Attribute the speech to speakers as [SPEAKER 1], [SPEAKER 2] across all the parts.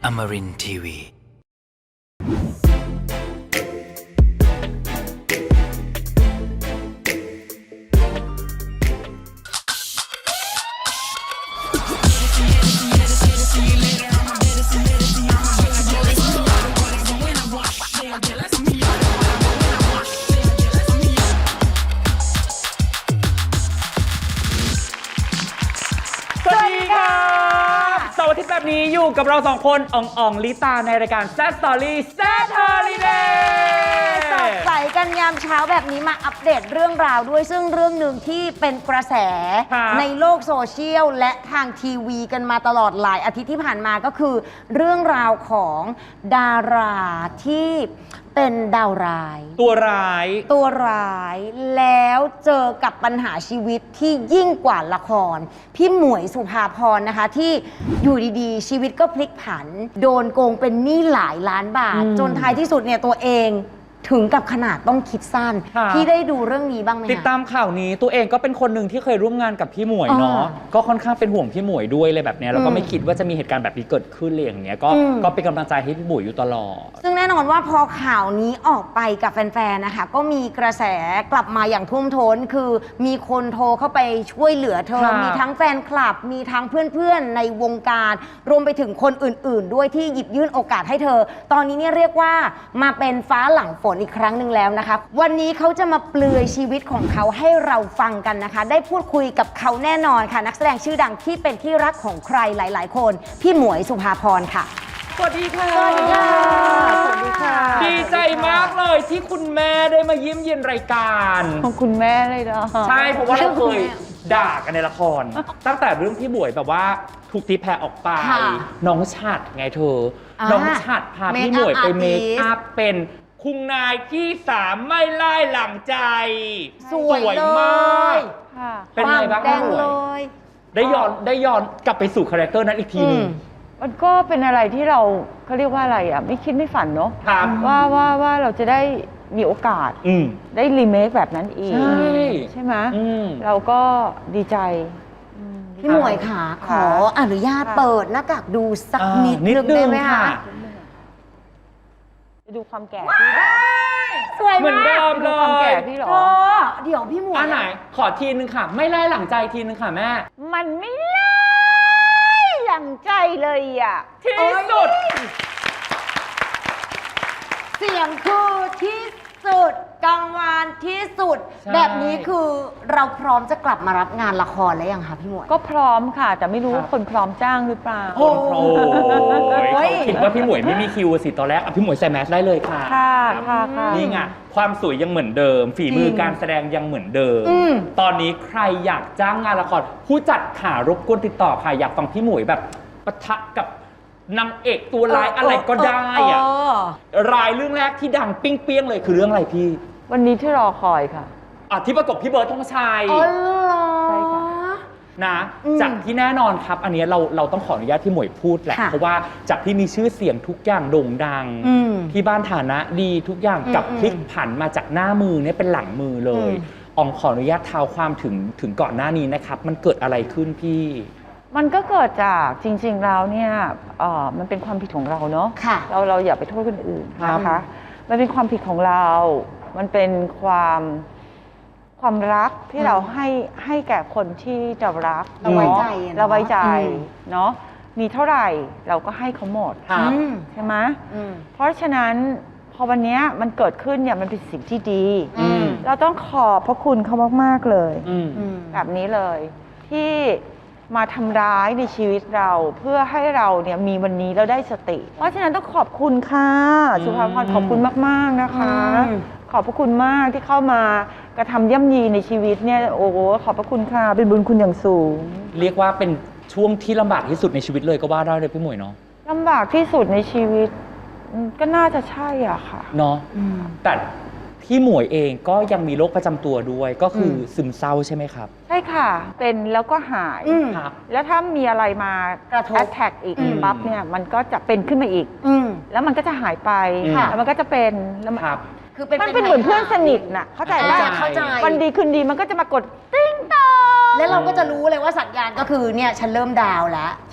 [SPEAKER 1] Amarin Tiwi
[SPEAKER 2] อาทิตย์แบบนี้อยู่กับเราสองคนอ่องลิตาในรายการ Sad Story Sad Holiday
[SPEAKER 3] สดใสกันยามเช้าแบบนี้มาอัปเดตเรื่องราวด้วยซึ่งเรื่องหนึ่งที่เป็นกระแสในโลกโซเชียลและทางทีวีกันมาตลอดหลายอาทิตย์ที่ผ่านมาก็คือเรื่องราวของดาราที่เป็นดาวร้าย
[SPEAKER 2] ตัวร้าย
[SPEAKER 3] แล้วเจอกับปัญหาชีวิตที่ยิ่งกว่าละครพี่หมวยสุภาพรนะคะที่อยู่ดีๆชีวิตก็พลิกผันโดนโกงเป็นหนี้หลายล้านบาทจนท้ายที่สุดเนี่ยตัวเองถึงกับขนาดต้องคิดสั้นพี่ได้ดูเรื่องนี้บ้างไหม
[SPEAKER 2] ติดตามข่าวนี้ตัวเองก็เป็นคนหนึ่งที่เคยร่วมงานกับพี่หมวยเนาะก็ค่อนข้างเป็นห่วงพี่หมวยด้วยเลยแบบนี้แล้วก็ไม่คิดว่าจะมีเหตุการณ์แบบนี้เกิดขึ้นเลยอย่างเงี้ยก็เป็นกำลังใจให้พี่หมวยอยู่ตลอด
[SPEAKER 3] ซึ่งแน่นอนว่าพอข่าวนี้ออกไปกับแฟนๆนะคะก็มีกระแสกลับมาอย่างท่วมท้นคือมีคนโทรเข้าไปช่วยเหลือเธอมีทั้งแฟนคลับมีทั้งเพื่อนๆในวงการรวมไปถึงคนอื่นๆด้วยที่หยิบยื่นโอกาสให้เธอตอนนี้เนี่ยเรียกว่ามาเป็นฟ้าหลังฝนอีกครั้งหนึ่งแล้วนะคะวันนี้เขาจะมาเปลือยชีวิตของเขาให้เราฟังกันนะคะได้พูดคุยกับเขาแน่นอนค่ะนักแสดงชื่อดังที่เป็นที่รักของใครหลายๆคนพี่หมวยสุภาพรค่ะ
[SPEAKER 2] สวัสดีค่ะ
[SPEAKER 3] สวัสดีค่ะสวัสดีค่ะ
[SPEAKER 2] ดีใจมากเลยที่คุณแม่ได้มาเยี่ยมเยียนรายการ
[SPEAKER 4] ของคุณแม่เลยเหรอ
[SPEAKER 2] ใช่เพราะว่าเราเคยด่ากันในละครตั้งแต่เรื่องพี่หมวยแบบว่าถูกตีแผ่ออกไปน้องฉัดไงเธอน้องฉัดพาพี่หมวยไปเมคอัพเป็นคุณนายที่สามไม่ไล่หลังใจ
[SPEAKER 3] สวยมาก
[SPEAKER 2] เป็นไงบ้างพี่หมวยได้ย้อนกลับไปสู่คาแรคเตอร์นั้นอีกทีนึง
[SPEAKER 4] มันก็เป็นอะไรที่เราเขาเรียกว่าอะไรอ่ะไม่คิดไม่ฝันเนาะว่าเราจะได้มีโอกาสได้รีเมคแบบนั้นอีกใช่ไหมเราก็ดีใจ
[SPEAKER 3] พี่หมวยค่ะขออนุญาตเปิดหน้ากากดูสักนิดนึงได้ไหมคะ
[SPEAKER 4] ดูความแก่พี่หรอ
[SPEAKER 3] สวยมาก
[SPEAKER 2] เหมือนเดิมเลย
[SPEAKER 4] ความแก่พี่หรอ
[SPEAKER 3] เดี๋ยวพี่หมวย
[SPEAKER 2] อันไหนขอทีนึงค่ะไม่ไล่หลังใจทีนึงค่ะแม่
[SPEAKER 4] มันไม่ไล่หลังใจเลยอ่ะ
[SPEAKER 2] ที่สุด
[SPEAKER 3] เสียงคือที่สุดกังวานที่สุดแบบนี้คือเราพร้อมจะกลับมารับงานละครแล้วยังคะพี่หมวย
[SPEAKER 4] ก็พร้อมค่ะแต่ไม่รู้ว่าคนพร้อมจ้างหรือเปล่า
[SPEAKER 2] คนพร้อมเขาคิดว่าพี่หมวยไม่มีคิวสิตอนแรกพี่หมวยใส่แมสได้เลยค่ะนี่ไงความสวยยังเหมือนเดิมฝีมือการแสดงยังเหมือนเดิมตอนนี้ใครอยากจ้างงานละครผู้จัดขารบกวนติดต่อค่ะอยากฟังพี่หมวยแบบปะทะกับนางเอกตัวร้ายอะไรก็ได้อะรายเรื่องแรกที่ดังปิ้งเปี้ยงเลยคือเรื่องอะไรพี่
[SPEAKER 4] วันนี้ที่รอคอยค่ะ
[SPEAKER 2] ที่ประกบพี่เบิร์ดธงชัย
[SPEAKER 4] ใช่ค่ะ
[SPEAKER 2] นะจากที่แน่นอนครับอันนี้เราต้องขออนุญาตที่หมวยพูดแหละเพราะว่าจากที่มีชื่อเสียงทุกอย่างโด่งดังที่บ้านฐานะดีทุกอย่างกับพลิกผันมาจากหน้ามือเนี่ยเป็นหลังมือเลยขออนุญาตเท้าความถึงก่อนหน้านี้นะครับมันเกิดอะไรขึ้นพี่
[SPEAKER 4] มันก็เกิดจากจริงๆแล้วเนี่ยมันเป็นความผิดของเราเนาะเราอย่าไปโทษคนอื่นนะคะมันเป็นความผิดของเรามันเป็นความรักที่เราให้แก่คนที่เรารัก
[SPEAKER 3] เราไว้ใจ
[SPEAKER 4] เนาะมีเท่าไหร่เราก็ให้เขาหมดใช่ไหมเพราะฉะนั้นพอวันนี้มันเกิดขึ้นเนี่ยมันเป็นสิ่งที่ดีเราต้องขอบพระคุณเขามากๆเลยแบบนี้เลยที่มาทำร้ายในชีวิตเราเพื่อให้เราเนี่ยมีวันนี้เราได้สติเพราะฉะนั้นต้องขอบคุณค่ะสุภาพรขอบคุณมากๆนะคะขอบพระคุณมากที่เข้ามากระทำย่ำยีในชีวิตเนี่ยโอ้โหขอบพระคุณค่ะเป็นบุญคุณอย่างสูง
[SPEAKER 2] เรียกว่าเป็นช่วงที่ลำบากที่สุดในชีวิตเลยก็ว่าได้เลยพี่หมวยเนาะ
[SPEAKER 4] ลำบากที่สุดในชีวิตก็น่าจะใช่อ่ะค่ะ
[SPEAKER 2] เนาะแต่พี่หมวยเองก็ยังมีโรคประจำตัวด้วยก็คือซึมเศร้าใช่ไหมครับ
[SPEAKER 4] ใช่ค่ะเป็นแล้วก็หายแล้วถ้ามีอะไรมากระทบแอทแทกอีกปั๊บเนี่ยมันก็จะเป็นขึ้นมาอีกแล้วมันก็จะหายไปแล้วมันก็จะเป็นแล้วมันเป็นเหมือนเพื่อนสนิทน่ะเข้าใจป่ะวันดีคืนดีมันก็จะมากดติ้งต่อ
[SPEAKER 3] แล้วเราก็จะรู้เลยว่าสัญญาณก็คือเนี่ยฉันเริ่มดาวแล้ว
[SPEAKER 4] ใช่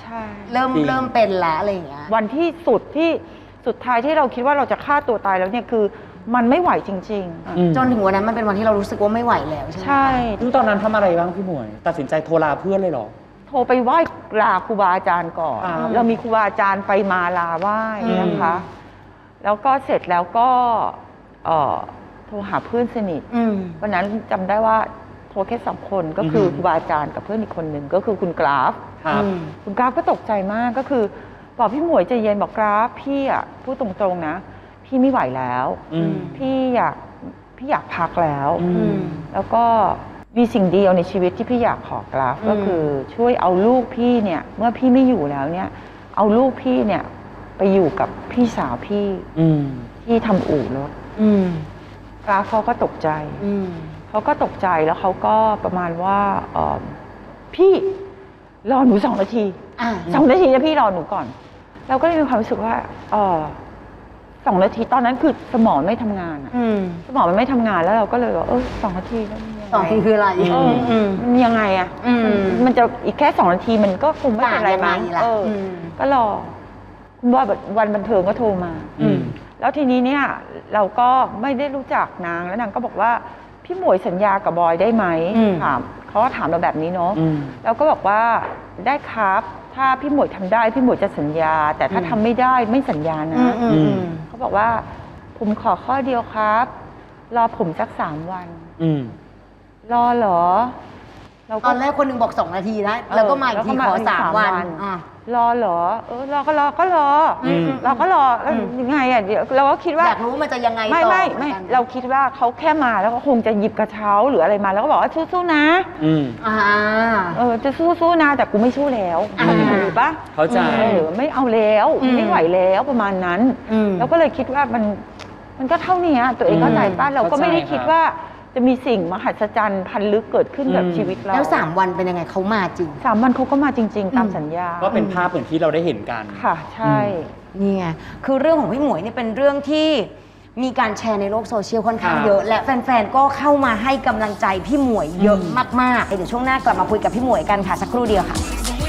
[SPEAKER 4] ช่
[SPEAKER 3] เริ่มเป็นละอะไรอย่างเงี้ย
[SPEAKER 4] วันที่สุดท้ายที่เราคิดว่าเราจะฆ่าตัวตายแล้วเนี่ยคือมันไม่ไหวจริงๆ
[SPEAKER 3] จนถึงวันนั้นมันเป็นวันที่เรารู้สึกว่าไม่ไหวแล้วใช่ไหม
[SPEAKER 4] ใช่
[SPEAKER 2] ซึ่งตอนนั้นทำอะไรบ้างพี่หมวย ตัดสินใจโทรลาเพื่อนเลยเหรอ
[SPEAKER 4] โทรไปไหว้ลาครูบาอาจารย์ก่อน เรามีครูบาอาจารย์ไปมาลาไหว้นะคะ แล้วก็เสร็จแล้วก็โทรหาเพื่อนสนิทวันนั้นจำได้ว่าโทรแค่2 คนก็คือครูบาอาจารย์กับเพื่อนอีกคนหนึ่งก็คือคุณกราฟ คุณกราฟก็ตกใจมากก็คือบอกพี่หมวยใจเย็นบอกกราฟพี่อ่ะพูดตรงๆนะพี่ไม่ไหวแล้วพี่อยากพักแล้วแล้วก็มีสิ่งเดียวในชีวิตที่พี่อยากขอกราฟก็คือช่วยเอาลูกพี่เนี่ยเมื่อพี่ไม่อยู่แล้วเนี่ยเอาลูกพี่เนี่ยไปอยู่กับพี่สาวพี่ที่ทำอู่รถกราฟเขาก็ตกใจแล้วเขาก็ประมาณว่าพี่รอหนู2 นาที2 นาทีนะพี่รอหนูก่อนเราก็เลยมีความรู้สึกว่า2 นาทีตอนนั้นคือสมองไม่ทำงานสมองมันไม่ทำงานแล้วเราก็เลยว่า2 นาทีแล้ว
[SPEAKER 3] 2 นาทีคืออะไร
[SPEAKER 4] มันยังไงอ่ะมันจะอีกแค่2 นาทีมันก็คงไม่เป็นไรมั้งก็รอคุณบอยวันบันเทิงก็โทรมาแล้วทีนี้เนี่ยเราก็ไม่ได้รู้จักนางแล้วนางก็บอกว่าพี่หมวยสัญญากับบอยได้ไหมถามเขาก็ถามเราแบบนี้เนาะแล้วก็บอกว่าได้ครับถ้าพี่หมวยทำได้พี่หมวยจะสัญญาแต่ถ้าทำไม่ได้ไม่สัญญานะเขาบอกว่าผมขอข้อเดียวครับรอผมสัก3 วันรอเหรอ
[SPEAKER 3] ตอนแรกคนหนึ่งบอก2 นาทีนะแล้วก็มาอีกทีขอ3 วัน
[SPEAKER 4] รอเหรอรอก็รอแล้วยังไงอ่ะเดี๋ยวเราก็คิดว่า
[SPEAKER 3] อยากรู้มันจะยังไงต่อ
[SPEAKER 4] ไม่เราคิดว่าเขาแค่มาแล้วก็คงจะหยิบกระเช้าหรืออะไรมาแล้วก็บอกว่าสู้ๆนะจะสู้ๆนะแต่กูไม่สู้แล้วถูกปะ
[SPEAKER 2] เข้าใจ
[SPEAKER 4] ไม่เอาแล้วไม่ไหวแล้วประมาณนั้นเราก็เลยคิดว่ามันก็เท่านี้ตัวเองเข้าใจป้ะเราก็ไม่ได้คิดว่าจะมีสิ่งมหัศจรรย์พันลึกเกิดขึ้นกับชีวิตเรา
[SPEAKER 3] แล้ว3 วันเป็นยังไงเขามาจริง
[SPEAKER 4] 3 วันเขาก็มาจริงๆตามสัญญา
[SPEAKER 2] ก็เป็นภาพเหมือนที่เราได้เห็นกัน
[SPEAKER 4] ค่ะใช่
[SPEAKER 3] นี่ไงคือเรื่องของพี่หมวยนี่เป็นเรื่องที่มีการแชร์ในโลกโซเชียลค่อนข้างเยอะและแฟนๆก็เข้ามาให้กำลังใจพี่หมวยเยอะมากๆเดี๋ยวช่วงหน้ากลับมาคุยกับพี่หมวยกันค่ะสักครู่เดียวค่ะ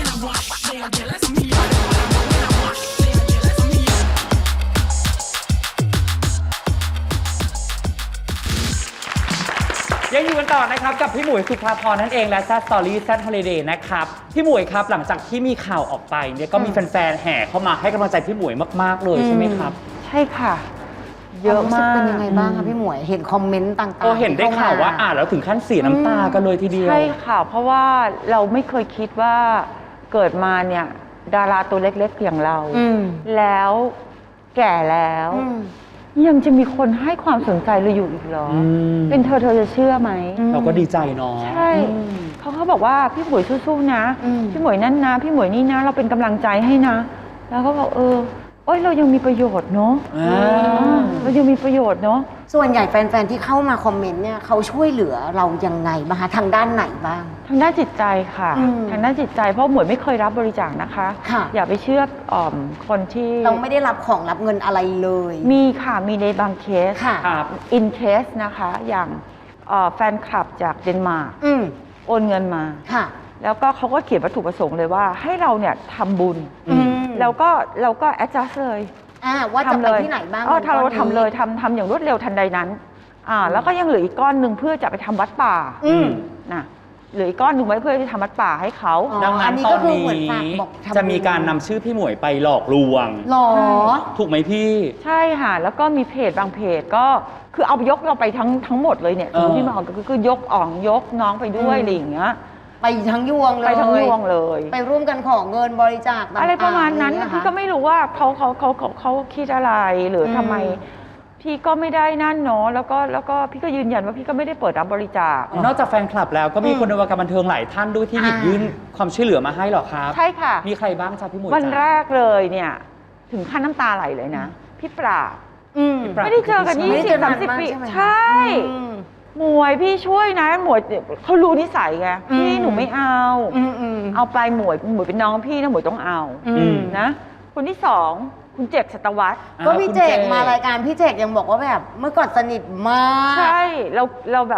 [SPEAKER 2] ยังอยู่กันต่อนะครับกับพี่หมวยสุภาพรนั่นเองและแซดสตอรี่แซดฮอลิเดย์นะครับพี่หมวยครับหลังจากที่มีข่าวออกไปเนี่ยก็มีแฟนๆแห่เข้ามาให้กำลังใจพี่หมวยมากๆเลยใช่ไหมครับ
[SPEAKER 4] ใช่ค่ะเยอะมาก
[SPEAKER 3] เป็นยังไงบ้างคะพี่หมวยเห็นคอมเมนต์ต่าง
[SPEAKER 2] ๆเห็นได้ข่าวว่าแล้วถึงขั้นเสียน้ำตากันเลยทีเดียว
[SPEAKER 4] ใช่ค่ะเพราะว่าเราไม่เคยคิดว่าเกิดมาเนี่ยดาราตัวเล็กๆอย่างเราแล้วแก่แล้วยังจะมีคนให้ความสนใจเราอยู่อีกเหรอเป็นเธอจะเชื่อไหม
[SPEAKER 2] เราก็ดีใจเนาะ
[SPEAKER 4] ใช่เขาบอกว่าพี่หมวยสู้ๆนะพี่หมวยนั่นนะพี่หมวยนี่นะเราเป็นกำลังใจให้นะแล้วก็บอกเรายังมีประโยชน์เนาะเรายังมีประโยชน์เนาะ
[SPEAKER 3] ส่วนใหญ่แฟนๆที่เข้ามาคอมเมนต์เนี่ยเขาช่วยเหลือเรายังไงบ้างคะทางด้านไหนบ้าง
[SPEAKER 4] ทางด้านจิตใจค่ะทางด้านจิตใจเพราะหมวยไม่เคยรับบริจาคนะคะอย่าไปเชื่อคนที่
[SPEAKER 3] เราไม่ได้รับของรับเงินอะไรเลย
[SPEAKER 4] มีค่ะมีในบางเคสอินเคสนะคะอย่างแฟนคลับจากเดนมาร์กโอนเงินมาแล้วก็เขาก็เขียนวัตถุประสงค์เลยว่าให้เราเนี่ยทำบุญแล้วก็เราก็ adjust เลย
[SPEAKER 3] ว่าจะไปที่ไหนบ้าง
[SPEAKER 4] เราทำเลยทำอย่างรวดเร็วทันใดนั้นแล้วก็ยังเหลืออีกก้อนหนึ่งเพื่อจะไปทำวัดป่านะเหลืออีกก้อนหนึ่งไว้เพื่อจะทำวัดป่าให้เขา
[SPEAKER 2] ดังนั้นตอนนี้จะมีการนำชื่อพี่หมวยไปหลอกลวง
[SPEAKER 3] หรอ
[SPEAKER 2] ถูกไหมพี่
[SPEAKER 4] ใช่ค่ะแล้วก็มีเพจบางเพจก็คือเอายกเราไปทั้งหมดเลยเนี่ยที่มาก็คือยกยกน้องไปด้วยอะไรอย่างเงี้ย
[SPEAKER 3] ไปทั้งยวงเลยไปร่วมกันขอเงินบริจาค
[SPEAKER 4] อะไรประมาณนั้นพี่ก็ไม่รู้ว่าเขาคิดอะไรหรือทำไมพี่ก็ไม่ได้นั่นเนาะแล้วก็พี่ก็ยืนยันว่าพี่ก็ไม่ได้เปิดรับบริจาคน
[SPEAKER 2] อกจากแฟนคลับแล้วก็มีคนในวงการบันเทิงหลายท่านด้วยที่หยิบยื่นความช่วยเหลือมาให้หรอครับ
[SPEAKER 4] ใช่ค่ะ
[SPEAKER 2] มีใครบ้างจ๊ะพี่หมวย
[SPEAKER 4] วันแรกเลยเนี่ยถึงขั้นน้ำตาไหลเลยนะพี่ปราบไม่ได้เจอกัน20-30 ปีใช่หมวยพี่ช่วยนะหมวยเขารู้นิสัยไงพี่หนูไม่เอาไปหมวยเป็นน้องพี่นะหมวยต้องเอานะคนที่2คุณเจก สัตวัฒน์
[SPEAKER 3] ก็พี่เจกมารายการพี่เจกยังบอกว่าแบบเมื่อก่อนสนิทมาก
[SPEAKER 4] ใช่เราแบบ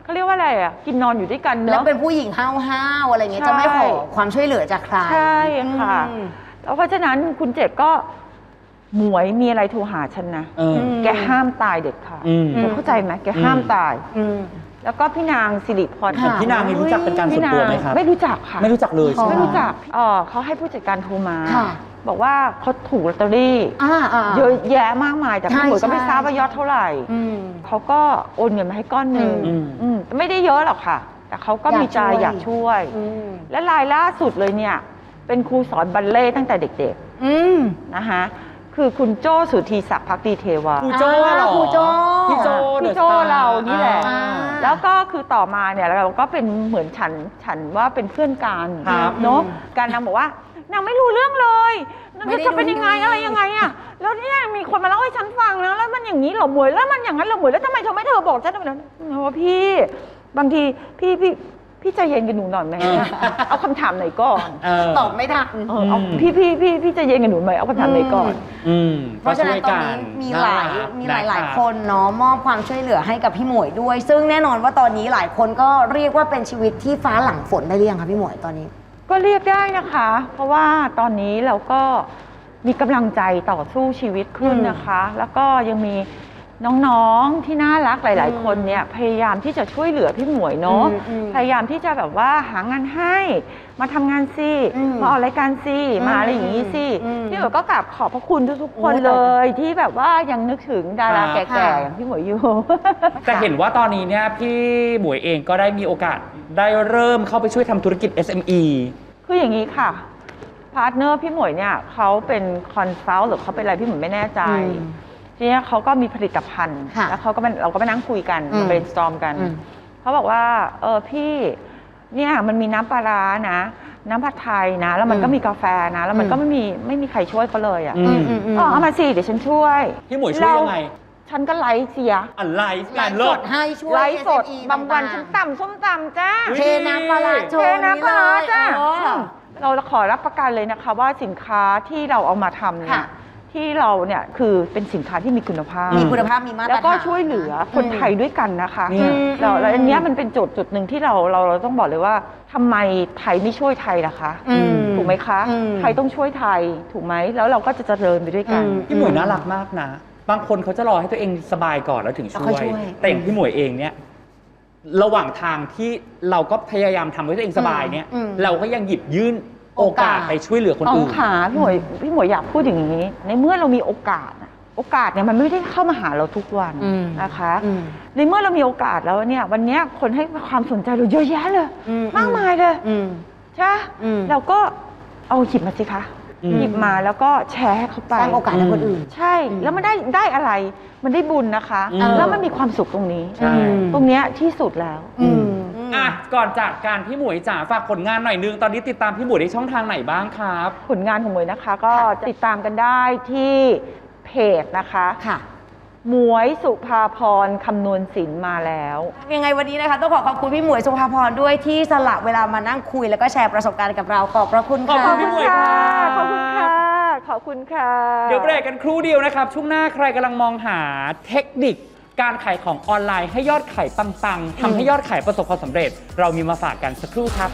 [SPEAKER 4] เขาเรียกว่าอะไรอ่ะกินนอนอยู่ด้วยกันเนอะ
[SPEAKER 3] แล้วเป็นผู้หญิงห้าวๆอะไรเงี้ย
[SPEAKER 4] ใช่
[SPEAKER 3] จะไม่ขอความช่วยเหลือจากใคร
[SPEAKER 4] ใช่ค่ะ
[SPEAKER 3] อืม
[SPEAKER 4] แล้วเพราะฉะนั้นคุณเจ็ดก็หมวยมีอะไรโทรหาฉันนะ แกห้ามตายเด็ดขาดแกเข้าใจไหมแกห้ามตาย แล้วก็พี่นางสิริพร
[SPEAKER 3] ค่ะ
[SPEAKER 2] พี่นางนี่รู้จักเป็นการส่วนตัวไหมครับ
[SPEAKER 4] ไม่รู้จักค่ะ
[SPEAKER 2] ไม่รู้จักเลยใช่ไหม
[SPEAKER 4] ไม่รู้จักเขาให้ผู้จัดการโทรมา
[SPEAKER 3] ค่ะ
[SPEAKER 4] บอกว่าเขาถูกลอตเตอรี่ เยอะแยะมากมาย แต่พี่หมวยก็ไม่ทราบว่ายอดเท่าไหร่ เขาก็โอนเงินมาให้ก้อนหนึ่งไม่ได้เยอะหรอกค่ะ แต่เขาก็มีใจอยากช่วย และรายล่าสุดเลยเนี่ย เป็นครูสอนบัลเล่ต์ตั้งแต่เด็กๆนะคะคือคุณโจ้สุธีศักดิ์ภักดีเทวา
[SPEAKER 2] ครูโจ้เหรอ
[SPEAKER 3] ครูโจ้
[SPEAKER 2] พี่โจ้
[SPEAKER 4] พี่โจ้เรานี่แหละ
[SPEAKER 3] อ่า
[SPEAKER 4] แล้วก็คือต่อมาเนี่ยเราก็เป็นเหมือนฉันว่าเป็นเพื่อนกัน
[SPEAKER 2] ครับ
[SPEAKER 4] เนาะการนางบอกว่านางไม่รู้เรื่องเลยนางจะเป็นยังไงอะไรยังไงอะแล้วเนี่ยมีคนมาเล่าให้ฉันฟังนะแล้วมันอย่างนี้เหรอหมวยแล้วมันอย่างนั้นเหรอหมวยแล้วทำไมเธอไม่บอกฉันแบบนั้นว่าพี่บางทีพี่ใจเย็นกับหนูหน่อยไหมเอาคำถามไหนก่อน
[SPEAKER 3] ตอบไม่ทัน
[SPEAKER 4] เอาพี่ใจเย็นกับหนูหน่อยเอาคำถามไหนก่อน
[SPEAKER 3] เพราะฉะนั้นตอนนี้มีหลายคนเนาะมอบความช่วยเหลือให้กับพี่หมวยด้วย ซึ่งแน่นอนว่าตอนนี้หลายคนก็เรียกว่าเป็นชีวิตที่ฟ้าหลังฝนได้หรือยังคะพี่หมวยตอนนี้
[SPEAKER 4] ก็เรียกได้นะคะ เพราะว่าตอนนี้เราก็มีกำลังใจต่อสู้ชีวิตขึ้นนะคะ แล้วก็ยังมีน้องๆที่น่ารักหลายๆคนเนี่ยพยายามที่จะช่วยเหลือพี่หมวยเนาะพยายามที่จะแบบว่าหางานให้มาทำงานสิมาออกรายการสิมาอะไรอย่างนี้สิพี่หมวยก็กราบขอบพระคุณทุกๆคนเลยที่แบบว่ายังนึกถึงดาราแก่ๆอย่างพี่หมวยอยู่
[SPEAKER 2] แต่เห็นว่าตอนนี้เนี่ยพี่หมวยเองก็ได้มีโอกาสได้เริ่มเข้าไปช่วยทำธุรกิจ SME
[SPEAKER 4] คืออย่างนี้ค่ะพาร์ทเนอร์พี่หมวยเนี่ยเขาเป็นคอนซัลท์หรือเขาเป็นอะไรพี่หมวยไม่แน่ใจทีนี้เขาก็มีผลิตภัณฑ์แล้วเขาก็เราก็ไปนั่งคุยกันมา brainstorm กันเขาบอกว่าพี่เนี่ยมันมีน้ำปลาร้านะน้ำผัดไทยนะแล้วมันก็มีกาแฟนะแล้วมันก็ไม่มีใครช่วยเขาเลยอ่ะเอามาสิเดี๋ยวฉันช่วย
[SPEAKER 2] พี่หมวยช่วยยังไง
[SPEAKER 4] ฉันก็ไลฟ์เสีย
[SPEAKER 2] ไลฟ์งาน
[SPEAKER 3] ส
[SPEAKER 2] เลิศ
[SPEAKER 3] ดให้ช่วย
[SPEAKER 4] ไลฟ์สด
[SPEAKER 3] SME
[SPEAKER 4] บางวัน
[SPEAKER 3] ต่
[SPEAKER 4] ฉันตำส้มตำจ้า
[SPEAKER 3] เทน้ำปลาร้าโชว์
[SPEAKER 4] เทน้ำปลาร้าจ้า
[SPEAKER 3] นี่เลย
[SPEAKER 4] เราขอรับประกันเลยนะคะว่าสินค้าที่เราเอามาทำเนี่ย
[SPEAKER 3] ค่ะ
[SPEAKER 4] ที่เราเนี่ยคือเป็นสินค้าที่มีคุณภาพ
[SPEAKER 3] มีคุณภาพมีมาตรฐาน
[SPEAKER 4] แล้วก็ช่วยเหลือคนไทยด้วยกันนะคะ
[SPEAKER 2] เนี่ย
[SPEAKER 4] แล้วอันเนี้ยมันเป็นจุดหนึ่งที่เราต้องบอกเลยว่าทำไมไทยไม่ช่วยไทยล่ะคะถูกไหมคะไทยต้องช่วยไทยถูกไหมแล้วเราก็จะเจริญไปด้วยกัน
[SPEAKER 2] พี่หมวยน่ารักมากนะ บางคนเขาจะรอให้ตัวเองสบายก่อนแล้วถึงช่วย แต่อย่างพี่หมวยเองเนี่ยระหว่างทางที่เราก็พยายามทำให้ตัวเองสบายเนี่ยเราก็ยังหยิบยื่นโอกาสไปช่วยเหลือคน
[SPEAKER 4] อ๋อ
[SPEAKER 2] อื่น
[SPEAKER 4] ค่ะพี่หมวยอยากพูดอย่างนี้ ในเมื่อเรามีโอกาสเนี่ยมันไม่ได้เข้ามาหาเราทุกวันนะคะในเมื่อเรามีโอกาสแล้วเนี่ยวันนี้คนให้ความสนใจเราเยอะแยะเลยมากมายเลยใช่เราก็เอาหยิบมาสิคะหยิบมาแล้วก็แชร์ให้เขาไป
[SPEAKER 3] สร้างโอกาสให้คนอื่น
[SPEAKER 4] ใช่แล้วมันได้อะไรมันได้บุญนะคะแล้วมันมีความสุขตรงนี้
[SPEAKER 2] ใช่
[SPEAKER 4] ตรงเนี้ยที่สุดแล้ว
[SPEAKER 2] อ่ะก่อนจากการพี่หมวยจ๋าฝากผลงานหน่อยนึงตอนนี้ติดตามพี่หมวยได้ช่องทางไหนบ้างครับ
[SPEAKER 4] ผลงานของหมวยนะคะก็ติดตามกันได้ที่เพจนะคะ
[SPEAKER 3] ค่ะ
[SPEAKER 4] หมวยสุภาพรคำนวณศิลป์มาแล้ว
[SPEAKER 3] ยังไงวันนี้นะคะต้องขอบคุณพี่หมวยสุภาพรด้วยที่สละเวลามานั่งคุยแล้วก็แชร์ประสบการณ์กับเราขอบพระคุณ
[SPEAKER 2] ขอบ
[SPEAKER 3] ค่ะ
[SPEAKER 2] คุณพี่หมวย
[SPEAKER 4] ขอบคุณค่ะ ขอบคุณค่ะ
[SPEAKER 2] เดี๋ยวเบรกกันครู่เดียวนะครับ ช่วงหน้าใครกำลังมองหาเทคนิคการขายของออนไลน์ให้ยอดขายปังๆทำให้ยอดขายประสบความสำเร็จ เรามีมาฝากกันสักครู่ครับ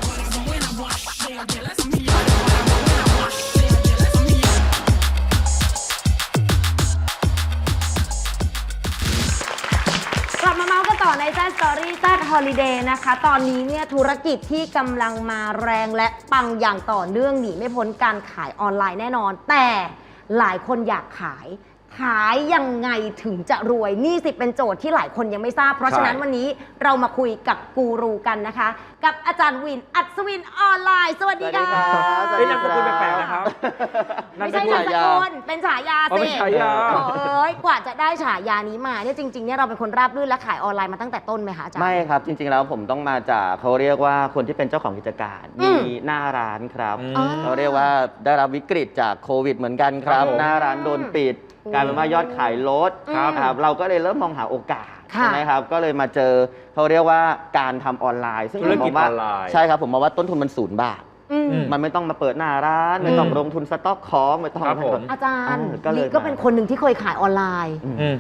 [SPEAKER 3] กลับมาเมาส์กันต่อในแซ่สตอรี่แซ่ฮอลิเดย์นะคะ ตอนนี้เนี่ยธุรกิจที่กำลังมาแรงและปังอย่างต่อเนื่องหนีไม่พ้นการขายออนไลน์แน่นอน แต่หลายคนอยากขายยังไงถึงจะรวยนี่สิเป็นโจทย์ที่หลายคนยังไม่ทราบ เพราะฉะนั้นวันนี้เรามาคุยกับกูรูกันนะคะ กับอาจารย์วินอัศวินออนไลน์ สวัสดีค่ะ
[SPEAKER 2] เฮ้ยนามสกุลแปลกๆนะครับ
[SPEAKER 3] ไม่ใช่นามสกุลเป็นฉายา
[SPEAKER 2] อ๋อ
[SPEAKER 3] สิ
[SPEAKER 2] เป็นฉายา
[SPEAKER 3] เอ้ยกว่าจะได้ฉายานี้มาเนี่ยจริงๆเนี่ยเราเป็นคนราบรื่นและขายออนไลน์มาตั้งแต่ต้นไหมคะอาจารย์
[SPEAKER 1] ไม่ครับ จริงๆแล้วผมต้องมาจากเขาเรียกว่าคนที่เป็นเจ้าของกิจการ มีหน้าร้านครับ
[SPEAKER 3] อ๋อ
[SPEAKER 1] เขาเรียกว่าได้รับวิกฤตจากโควิดเหมือนกันครับ
[SPEAKER 2] ครับผม
[SPEAKER 1] หน้าร้านโดนปิดกลายเป็นว่ายอดขายลด
[SPEAKER 3] ครับ
[SPEAKER 1] ครับเราก็เลยเริ่มมองหาโอกาส
[SPEAKER 3] ค่ะ
[SPEAKER 1] ใช่ไหมครับก็เลยมาเจอเขาเรียกว่าการทำออนไลน์ ซึ่ง
[SPEAKER 2] ธุรกิจ
[SPEAKER 1] ผมมองว่า
[SPEAKER 2] ออนไลน์
[SPEAKER 1] ใช่ครับผมมองว่าต้นทุนมัน0 บาท มันไม่ต้องมาเปิดหน้าร้านไม่ต้องลงทุนสต็อกของไม่ต้อง
[SPEAKER 2] ครับผม
[SPEAKER 3] อาจารย์
[SPEAKER 1] ก็เลย
[SPEAKER 3] นี่ก็เป็นคนหนึ่งที่เคยขายออนไลน์
[SPEAKER 1] อืม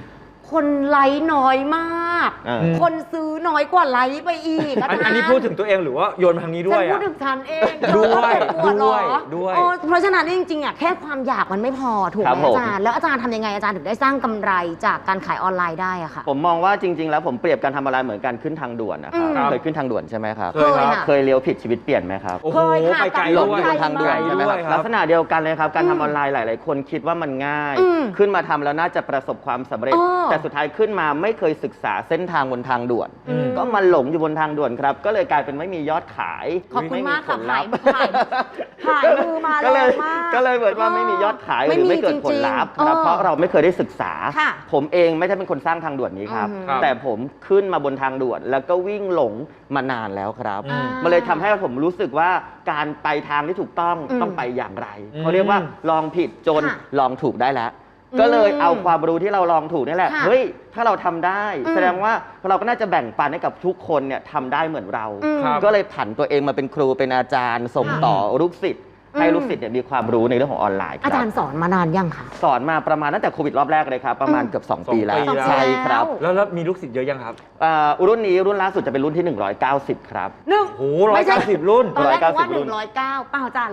[SPEAKER 3] คนไลค์น้อยมาก คนซื้อน้อยกว่าไลค์ไปอีกอาจารย์
[SPEAKER 5] อันนี้พูดถึงตัวเองหรือว่าโยนมาทางนี้ด้วย
[SPEAKER 3] ฉันพูด
[SPEAKER 5] อะ
[SPEAKER 3] ถึงฉันเอง
[SPEAKER 5] ด้วย
[SPEAKER 3] เธอก็เจ็บปวดเหรอ
[SPEAKER 5] ด้วย
[SPEAKER 3] เพราะฉะนั้นจริงๆอ่ะแค่ความอยากมันไม่พอถูกไหมอาจารย์แล้วอาจารย์ทำยังไงอาจารย์ถึงได้สร้างกำไรจากการขายออนไลน์ได้อะค่ะ
[SPEAKER 1] ผมมองว่าจริง ๆ แล้วผมเปรียบการทำอะไรเหมือนการขึ้นทางด่วนนะครับ
[SPEAKER 5] ครับ
[SPEAKER 1] เคยขึ้นทางด่วนใช่ไหมครับ
[SPEAKER 5] เคยครับ
[SPEAKER 1] เคยเลี้ยวผิดชีวิตเปลี่ยนไหมครับ
[SPEAKER 5] โอ้โห
[SPEAKER 3] เคยค่ะ
[SPEAKER 5] ไปไกล
[SPEAKER 1] หล
[SPEAKER 5] ด้
[SPEAKER 1] ง
[SPEAKER 5] วย
[SPEAKER 1] อยู่บนทางด่วนใช่ไหมครับ
[SPEAKER 5] ด้วยครับ
[SPEAKER 1] ลักษณะเดียวกันเลยครับการทำออนไลน์หลาย ๆ คนคิดว่ามันง่าย ขึ้นมาทำแล้วน่าจะประสบความสำเร็จ แต่สุดท้ายขึ้นมาไม่เคยศึกษาเส้นทางบนทางด่วน ก็มาหลงอยู่บนทางด่วนครับก็เลยกลายเป็นไม่มียอดขาย
[SPEAKER 3] ขอบคุณมากค่ะ
[SPEAKER 1] ไผลลัพธ์
[SPEAKER 3] ถ่ายมือมา
[SPEAKER 1] ก็
[SPEAKER 3] แร
[SPEAKER 1] เลย
[SPEAKER 3] งมาก
[SPEAKER 1] ก็เลยเหมือนว่าไม่มียอดขายห
[SPEAKER 3] ไม่
[SPEAKER 1] รือ
[SPEAKER 3] มี
[SPEAKER 1] ไม่เกิดผล
[SPEAKER 3] จริงๆ
[SPEAKER 1] ลัพธ์ครับ
[SPEAKER 3] เออ
[SPEAKER 1] เพราะเราไม่เคยได้ศึกษา
[SPEAKER 3] ค่ะ
[SPEAKER 1] ผมเองไม่ใช่เป็นคนสร้างทางด่วนนี้ครับ
[SPEAKER 5] ครับ
[SPEAKER 1] แต่ผมขึ้นมาบนทางด่วน แล้วก็วิ่งหลงมานานแล้วครับ
[SPEAKER 3] อ่ามั
[SPEAKER 1] มันเลยทำให้ผมรู้สึกว่าการไปทางที่ถูกต้อง
[SPEAKER 3] อืม
[SPEAKER 1] ต้องไปอย่างไรเขาเรียกว่าลองผิดจน
[SPEAKER 3] ค่ะ
[SPEAKER 1] ลองถูกได้แล้ว ก็เลยเอาความรู้ที่เราลองถูกนี่แหละ
[SPEAKER 3] ค่ะ
[SPEAKER 1] เฮ้ยถ้าเราทำได้
[SPEAKER 3] อืม
[SPEAKER 1] แสดงว่าเราก็น่าจะแบ่งปันให้กับทุกคนเนี่ยทำได้เหมือนเรา
[SPEAKER 5] ครับ
[SPEAKER 1] ก็เลยผันตัวเองมาเป็นครูเป็นอาจารย์ ส่งต่อลูกศิษย์ให้ลูกศิษย์เนี่ยมีความรู้ในเรื่องของออนไลน์ค
[SPEAKER 3] อา
[SPEAKER 1] รั
[SPEAKER 3] จา
[SPEAKER 1] บ
[SPEAKER 3] รย์สอนมานานยังคะ
[SPEAKER 1] สอนมาประมาณตั้งแต่โควิดรอบแรกเลยครับประมาณเกือบ2 ปีแล้ว
[SPEAKER 5] 2 ปีแล้ว
[SPEAKER 1] ใช่ครับ
[SPEAKER 5] แล้วมีลูกศิษย์เยอะยังครับ
[SPEAKER 1] รุ่นนี้รุ่นล่าสุดจะเป็นรุ่นที่ 190 ครับ
[SPEAKER 3] หนึ่ง
[SPEAKER 5] โอ้โห190 รุ่น
[SPEAKER 3] ตอนแรกว่า
[SPEAKER 1] 190 รุ่น
[SPEAKER 3] 109เปล่าจ้ะ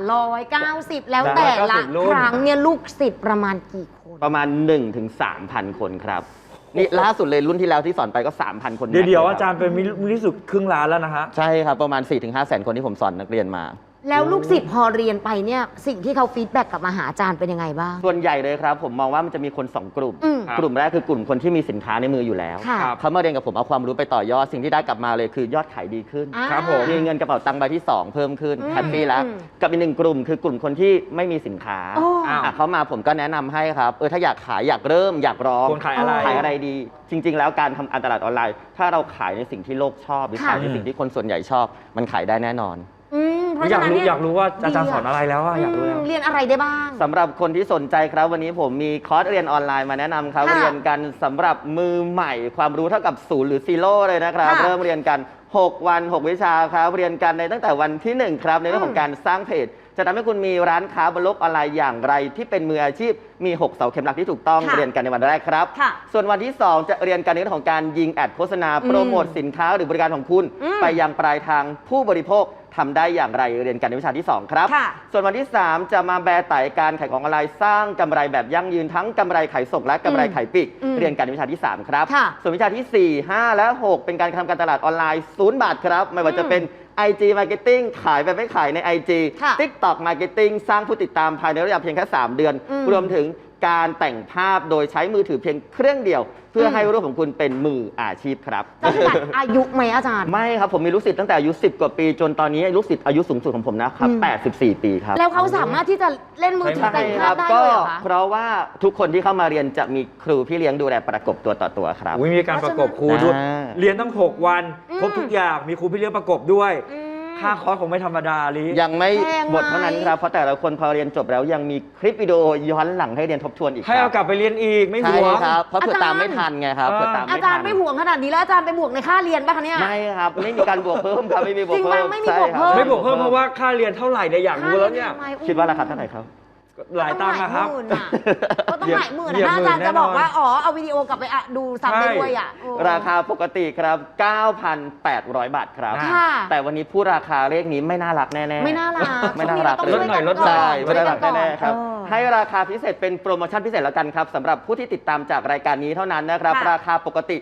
[SPEAKER 3] 190 แล้วแต่ละ
[SPEAKER 5] 190รุ่น
[SPEAKER 3] ครั้งเนี่ยลูกศิษย์ประมาณกี่คน
[SPEAKER 1] ประมาณ 1-3,000 คนครับนี่ล่าสุดเลยรุ่นที่แล้วที่สอนไปก็ 3,000 คน
[SPEAKER 5] เดี๋ยว
[SPEAKER 1] แม็กซ์ล
[SPEAKER 5] อาจารย์เป็นมิลิสุดครึ่งล้านแล้วนะฮะ
[SPEAKER 1] ใช่ครับประมาณ 4-5 แสนคนที่ผมสอนนักเรียนมา
[SPEAKER 3] แล้วลูกศิษย์พอเรียนไปเนี่ยสิ่งที่เขาฟีดแบ็กกลับมาหาอาจารย์เป็นยังไงบ้าง
[SPEAKER 1] ส่วนใหญ่เลยครับผมมองว่ามันจะมีคน 2 กลุ่ม
[SPEAKER 3] อืม
[SPEAKER 5] ครับ
[SPEAKER 1] กลุ่มแรกคือกลุ่มคนที่มีสินค้าในมืออยู่แล้ว
[SPEAKER 3] ค่ะ
[SPEAKER 5] ครับ
[SPEAKER 1] เขามาเรียนกับผมเอาความรู้ไปต่อยอดสิ่งที่ได้กลับมาเลยคือยอดขายดีขึ้น
[SPEAKER 3] อ่า
[SPEAKER 5] ครับผม
[SPEAKER 1] มีเงินกระเป๋าตังค์ใบที่ 2 เพิ่มขึ้น
[SPEAKER 3] อืม
[SPEAKER 1] แฮปปี้แล้ว
[SPEAKER 3] อืม
[SPEAKER 1] กับอีกหนึ่งกลุ่มคือกลุ่มคนที่ไม่มีสินค้า
[SPEAKER 3] โอ้
[SPEAKER 5] อ้าว
[SPEAKER 1] เขามาผมก็แนะนำให้ครับถ้าอยากขายอยากเริ่มอยากลอง
[SPEAKER 5] ควรขายอะไร
[SPEAKER 1] ขายอะไรดี จริง ๆ แล้วการทำการตลาดออนไลน์ ถ้าเราขายในสิ่งที่โลกชอบหรือ
[SPEAKER 3] ค่ะ
[SPEAKER 1] ขายในสิ่งที่คนส่วนใหญ่ชอบ มันขายได้แน่นอน
[SPEAKER 3] เพราะ
[SPEAKER 5] อยา
[SPEAKER 3] ฉะ
[SPEAKER 5] ก
[SPEAKER 3] นั้น
[SPEAKER 5] รู้
[SPEAKER 3] เนี่ย
[SPEAKER 5] อยากรู้ว่าอาจารย์สอนอะไรแล้วอะอยากรู้แล้ว
[SPEAKER 3] เรียนอะไรได้บ้าง
[SPEAKER 1] สำหรับคนที่สนใจครับวันนี้ผมมีคอร์สเรียนออนไลน์มาแนะนำครับ
[SPEAKER 3] ค่ะ
[SPEAKER 1] เรียนกันสำหรับมือใหม่ความรู้เท่ากับ0หรือ0เลยนะครับ
[SPEAKER 3] ค่ะ
[SPEAKER 1] เริ่มเรียนกัน 6 วัน 6 วิชาครับเรียนกันในตั้งแต่วันที่ 1 ครับในเรื่องของการสร้างเพจ จะทำให้คุณมีร้านค้าบนโลกออนไลน์อย่างไร ที่เป็นมืออาชีพมี 6 เสาเข็มหลักที่ถูกต้อง
[SPEAKER 3] ค่ะ
[SPEAKER 1] เรียนกันในวันแรกครับ
[SPEAKER 3] ค่ะ
[SPEAKER 1] ส่วนวันที่ 2 จะเรียนกันในเรื่องของการยิงแอดโฆษณาโปรโมทสินค้าหรือบริการของคุณ ไปยังปลายทางผู้บริโภคทำได้อย่างไรเรียนกันในวิชาที่ 2 ครับ
[SPEAKER 3] ค่ะ
[SPEAKER 1] ส่วนวันที่ 3 จะมาแบร์ไต่การขายของออนไลน์สร้างกำไรแบบยั่งยืนทั้งกำไรขายส่งและกำไรขายปลีก
[SPEAKER 3] อืม
[SPEAKER 1] เรียนกันในวิชาที่ 3 ครับ
[SPEAKER 3] ค่ะ
[SPEAKER 1] ส่วนวิชาที่ 4 5 และ 6 เป็นการทำการตลาดออนไลน์0 บาทครับ ไม่ว่าจะเป็น IG Marketing ขายแบบไม่ขายใน IG
[SPEAKER 3] ค่ะ
[SPEAKER 1] TikTok Marketing สร้างผู้ติดตามภายในระยะเพียงแค่ 3 เดือน รวมถึงการแต่งภาพโดยใช้มือถือเพียงเครื่องเดียว เพื่อให้รูปของคุณเป็นมืออาชีพครับ
[SPEAKER 3] จำกัดอายุไหมอาจารย์
[SPEAKER 1] ไม่ครับ ผมมีลูกศิษย์ตั้งแต่อายุ 10 กว่าปี จนตอนนี้ลูกศิษย์อายุสูงสุดของผมนะครับ 84 ปีครับ
[SPEAKER 3] แล้วเขาสามารถที่จะเล่นมือถือแต่งภาพได้
[SPEAKER 1] ก็
[SPEAKER 3] เลยเหรอคะ
[SPEAKER 1] เพราะว่าทุกคนที่เข้ามาเรียนจะมีครูพี่เลี้ยงดูแลประกบตัวต่อตัวครับ
[SPEAKER 5] อุ๊ยมีการประกบครูด้วย
[SPEAKER 1] อ่า
[SPEAKER 5] เรียนตั้ง 6 วันครบทุกอย่างมีครูพี่เลี้ยงประกบด้วย ค่าคอร์สคงไม่ธรรมดาลิ
[SPEAKER 1] ยังไม่
[SPEAKER 3] แพงไหม
[SPEAKER 1] หมดเท่านั้นครับ เพราะแต่ละคนพอเรียนจบแล้วยังมีคลิปวิดีโอย้อนหลังให้เรียนทบทวนอีก
[SPEAKER 5] ให้เอากลับไปเรียนอีกไม่
[SPEAKER 1] ใช่
[SPEAKER 5] ห่วง
[SPEAKER 1] ครับ เพราะเผื่อ
[SPEAKER 3] อาจารย์
[SPEAKER 1] ตามไม่ทันไงครับเผื่อตาม
[SPEAKER 3] อา
[SPEAKER 1] ไม่
[SPEAKER 3] จาร
[SPEAKER 1] ทัน
[SPEAKER 3] ย์ไม่ห่วงขนาดนี้แล้วอาจารย์ไปบวกในค่าเรียนป่ะคะเนี่ย
[SPEAKER 1] ไม่ครับ ไม่มีการบวกเพิ่มครับ ไม่มีบวก
[SPEAKER 3] จริง
[SPEAKER 1] เพิ่
[SPEAKER 3] ปะ
[SPEAKER 1] ม
[SPEAKER 3] ไม่มี
[SPEAKER 1] ใช่
[SPEAKER 3] บวก
[SPEAKER 1] ค
[SPEAKER 3] เพิ่
[SPEAKER 1] รับ
[SPEAKER 5] ไม่บวกเพิ่มเพราะว่าค่าเรียนเท่าไหร่เนี่ยอยากรู้แล้วเนี่ย
[SPEAKER 1] คิดว่าราคาเท่าไหร่ครับ
[SPEAKER 5] หลายตังค์อะครับ
[SPEAKER 3] ก็ต้องหลายหมื่น
[SPEAKER 5] เหยียบ
[SPEAKER 3] นะอาจารย์
[SPEAKER 5] หมื่น
[SPEAKER 3] จะบอก
[SPEAKER 5] แน่นอน
[SPEAKER 3] ว่าอ๋อเอาวิดีโอกลับไปดูซ้ำได้ด้วยอ่ะโอ้
[SPEAKER 1] ราคาปกติครับ 9,800 บาทครับ
[SPEAKER 3] ค่ะ
[SPEAKER 1] แต่วันนี้พูดราคาเลขนี้ไม่น่ารักแน่ๆ
[SPEAKER 3] ไม่น่ารัก
[SPEAKER 1] ไม่น่ารัก
[SPEAKER 3] ต้อง
[SPEAKER 5] ลดหน่อยลดหน่อย
[SPEAKER 1] ใช่
[SPEAKER 3] ช่
[SPEAKER 1] ไม่
[SPEAKER 3] วย
[SPEAKER 1] น่า
[SPEAKER 3] กั
[SPEAKER 1] รั
[SPEAKER 3] น
[SPEAKER 1] ก
[SPEAKER 3] ก่อน
[SPEAKER 1] แน่ๆครับ
[SPEAKER 3] เออ
[SPEAKER 1] ให้ราคาพิเศษเป็นโปรโมชั่นพิเศษแล้วกันครับสำหรับผู้ที่ติดตามจากรายการนี้เท่านั้นนะครับ
[SPEAKER 3] ค่ะ
[SPEAKER 1] ราคาปกติ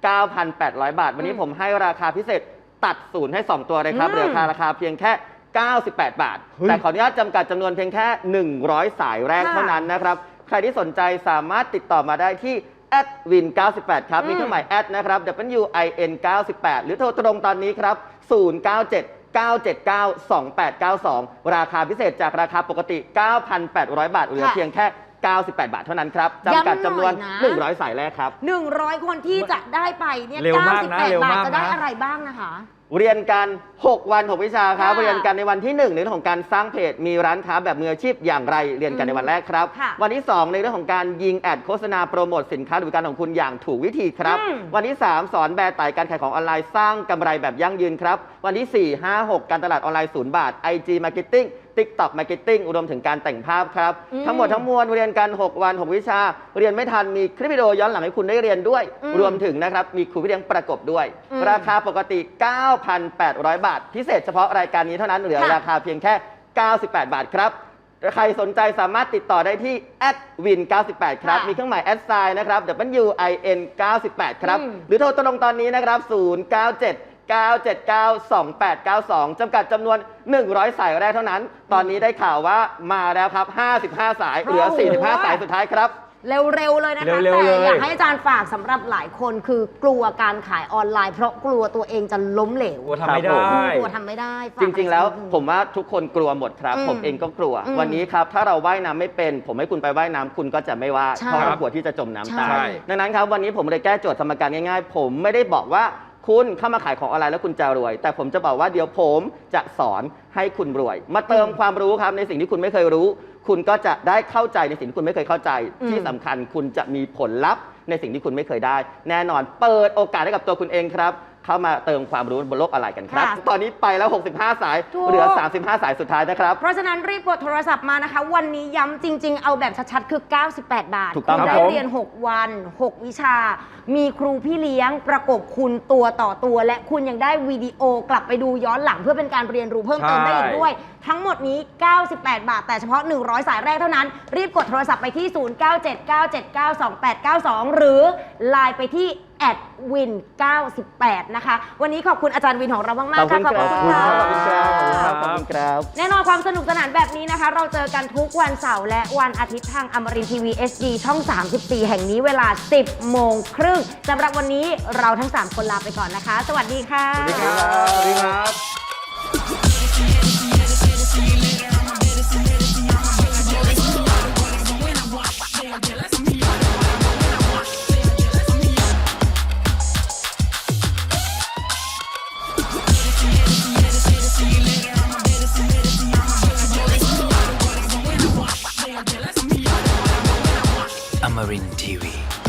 [SPEAKER 1] 9,800 บาท วันนี้ผมให้ราคาพิเศษตัดศูนย์ให้ 2 ตัวเลยครับเหลือราคาเพียงแค่ 98 บาท
[SPEAKER 5] เฮ้ย
[SPEAKER 1] แต่ขออนุญาตจำกัดจำนวนเพียงแค่ 100 สายแรกเท่านั้นนะครับ ใครที่สนใจสามารถติดต่อมาได้ที่@win98 ครับมีเครื่องหมายแอดนะครับ WIN98 หรือโทรตรงตอนนี้ครับ 097-979-2892 ราคาพิเศษจากราคาปกติ 9,800 บาทเหลือเพียงแค่ 98 บาทเท่านั้นครับจำกัดจำนวน 100 สายแรกครับ
[SPEAKER 3] 100 คนที่จะได้ไปเนี่ย
[SPEAKER 5] เร็วมากนะเร็ว
[SPEAKER 3] 98 บาท
[SPEAKER 5] มาก
[SPEAKER 3] จะได้
[SPEAKER 5] นะ
[SPEAKER 3] อะไรบ้างนะคะ
[SPEAKER 1] เรียนกัน 6 วัน 6 วิชาครับ
[SPEAKER 3] ค่ะ
[SPEAKER 1] เรียนกันในวันที่ 1 ในเรื่องของการสร้างเพจ มีร้านค้าแบบมืออาชีพอย่างไร เรียนกันในวันแรกครับ
[SPEAKER 3] ค่ะ
[SPEAKER 1] วันที่ 2 ในเรื่องของการยิงแอดโฆษณาโปรโมทสินค้าหรือบริการของคุณอย่างถูกวิธีครับ วันที่ 3 สอนแบร์ไต่การขายของออนไลน์สร้างกำไรแบบยั่งยืนครับ วันที่ 4 5 6 การตลาดออนไลน์0 บาท IG Marketing TikTok Marketing รวมถึงการแต่งภาพครับ ทั้งหมดทั้งมวลเรียนกัน 6 วัน 6 วิชา เรียนไม่ทันมีคลิปวิดีโอย้อนหลังให้คุณได้เรียนด้วย รวมถึงนะครับมีครูพี่เลี้ยงประกบด้วย ราคาปกติ 9,800 บาท พิเศษเฉพาะรายการนี้เท่านั้นเหลือราคาเพียงแค่ 98 บาทครับ ใครสนใจสามารถติดต่อได้ที่ @win98 ครับ มีเครื่องหมาย@นะครับ WIN 98 ครับ หรือโทรตรงตอนนี้นะครับ 097-979-2892 จำกัดจำนวน 100 สายแรกเท่านั้น ตอนนี้ได้ข่าวว่ามาแล้วครับ 55 สาย เหลือ 45 สายสุดท้ายครับ
[SPEAKER 3] เร็วๆเลยนะคะ
[SPEAKER 5] เร็วๆ
[SPEAKER 3] แต่
[SPEAKER 5] เลย
[SPEAKER 3] อยากให้อาจารย์ฝากสำหรับหลายคนคือกลัวการขายออนไลน์ เพราะกลัวตัวเองจะล้มเหลว
[SPEAKER 5] กลัวทำไม่ได้
[SPEAKER 3] กลัวทำไม่ได้ฝาก
[SPEAKER 1] จริงๆ แล้ว
[SPEAKER 3] อะไรสักนิดนึง
[SPEAKER 1] ผมว่าทุกคนกลัวหมดครับ ผมเองก็กลัว วันนี้ครับถ้าเราว่ายน้ำไม่เป็น ผมให้คุณไปว่ายน้ำคุณก็จะไม่ว่า
[SPEAKER 3] ใช่
[SPEAKER 1] เพราะเรากลัวที่จะจมน้ำตา
[SPEAKER 3] ใช่
[SPEAKER 1] ยดังนั้นครับวันนี้ผมเลยแก้โจทย์สมการง่ายๆ ผมไม่ได้บอกว่าคุณเข้ามาขายของออนไลน์แล้วคุณจะรวย แต่ผมจะบอกว่าเดี๋ยวผมจะสอนให้คุณรวย มาเติมความรู้ครับในสิ่งที่คุณไม่เคยรู้ คุณก็จะได้เข้าใจในสิ่งที่คุณไม่เคยเข้าใจ ที่สำคัญคุณจะมีผลลัพธ์ในสิ่งที่คุณไม่เคยได้ แน่นอนเปิดโอกาสให้กับตัวคุณเองครับ เข้ามาเติมความรู้บนโลกออนไลน์กันครับ
[SPEAKER 3] ค่ะ
[SPEAKER 1] ตอนนี้ไปแล้ว 65 สาย
[SPEAKER 3] ถูก
[SPEAKER 1] เหลือ 35 สายสุดท้ายนะครับ
[SPEAKER 3] เพราะฉะนั้นรีบกดโทรศัพท์มานะคะ วันนี้ย้ำจริง ๆ เอาแบบชัดๆ คือ 98 บาท
[SPEAKER 1] ถูกต้อง
[SPEAKER 3] คุณ
[SPEAKER 1] ครับ
[SPEAKER 3] ได้
[SPEAKER 1] ผม
[SPEAKER 3] เรียน 6 วัน 6 วิชา มีครูพี่เลี้ยงประกบคุณตัวต่อตัว และคุณยังได้วิดีโอกลับไปดูย้อนหลังเพื่อเป็นการเรียนรู้เพิ่มเติมได้อีกด้วย ทั้งหมดนี้ 98 บาท แต่เฉพาะ 100 สายแรกเท่านั้น รีบกดโทรศัพท์ไปที่ 0979792892 หรือไลน์ไปที่@win98 นะคะ วันนี้ขอบคุณอาจารย์วินของเรามากๆค่ะ
[SPEAKER 1] ขอบคุณครับ ขอบคุณครับ ขอบคุณครับ
[SPEAKER 3] แน่นอนความสนุกสนานแบบนี้นะคะ เราเจอกันทุกวันเสาร์และวันอาทิตย์ทางอมรินทร์ทีวี HD ช่อง 34 แห่งนี้เวลา 10 โมงครึ่งสำหรับวันนี้เราทั้ง 3 คนลาไปก่อนนะคะ สวัสดีค่ะ
[SPEAKER 5] สวัสดีครับสวัสดีครับ
[SPEAKER 6] Amarin Tiwi.